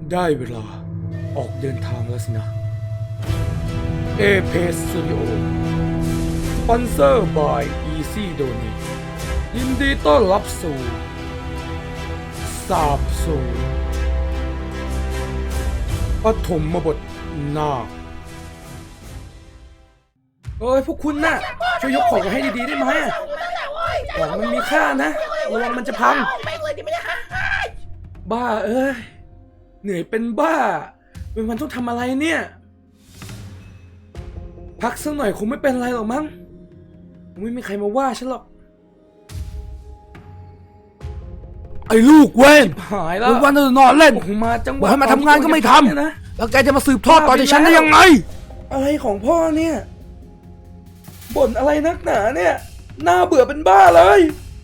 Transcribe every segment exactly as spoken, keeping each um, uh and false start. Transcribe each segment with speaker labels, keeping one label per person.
Speaker 1: ได้เวลาออกเดินทางแล้วสินะ เอ พี Studio สปอนเซอร์ by Easy Donate ยินดีต้อนรับสู่สาบสูญปฐมบทนาคเอ้ยพวกคุณน่ะช่วยยกของมาให้ดีๆได้ไหมของมันมีค่านะระวังมันจะพังบ้าเอ้ยเหนื่อยเป็นบ้าเป็นวันต้องทำอะไรเนี่ยพักสักหน่อยคงไม่เป็นไรหรอกมั้งคงไม่มีใครมาว่าฉันหรอกไอ้ลูกเว้นหายแล้ววันๆนอนเล่นมาจังหวะให้มาทำงานก็ไม่ทำนะแล้วแกจะมาสืบทอดต่อจากฉันได้ยังไงอะไรของพ่อเนี่ยบ่นอะไรนักหนาเนี่ยน่าเบื่อเป็นบ้าเลย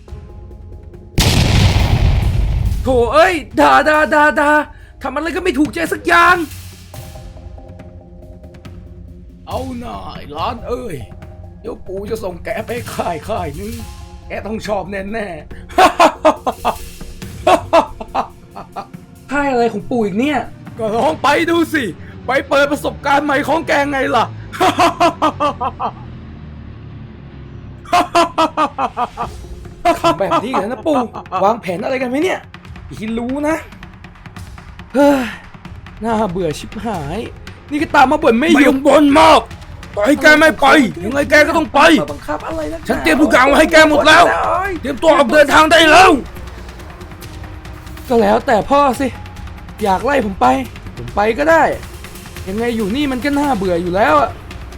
Speaker 1: โถเอ้ยด่าด่าด่าด่าทำอะไรก็ไม่ถูกใจสักอย่างเอาหน่ายร้านเอ้ยเดี๋ยวปู่จะส่งแกไปค่ายค่ายนึงแกต้องชอบแน่แน่ค่ายอะไรของปู่อีกเนี่ยก็ลองไปดูสิไปเปิดประสบการณ์ใหม่ของแกไงล่ะทำแบบนี้กันนะปู่วางแผนอะไรกันไหมเนี่ยพี่รู้นะเฮ้ยน่าเบื่อชิบหายนี่ก็ตามมาบ่นไม่หยุดบ่นมากต่อให้แกไม่ไปยังไงแกก็ต้องไปบังคับอะไรนะฉันเตรียมทุกอย่างมาให้แกหมดแล้วเตรียมตัวออกเดินทางได้แล้วก็แล้วแต่พ่อสิอยากไล่ผมไปผมไปก็ได้ยังไงอยู่นี่มันก็น่าเบื่ออยู่แล้วอะ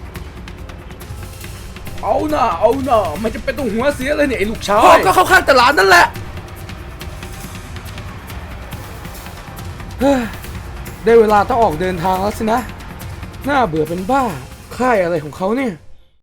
Speaker 1: เอาหน่าเอาหน่ามันจะเป็นตัวหัวเสียเลยเนี่ยไอ้ลูกชายพ่อก็เข้าข้างตลาดนั่นแหละเฮ้ยได้เวลาต้องออกเดินทางแล้วสินะน่าเบื่อเป็นบ้าค่ายอะไรของเขาเนี่ย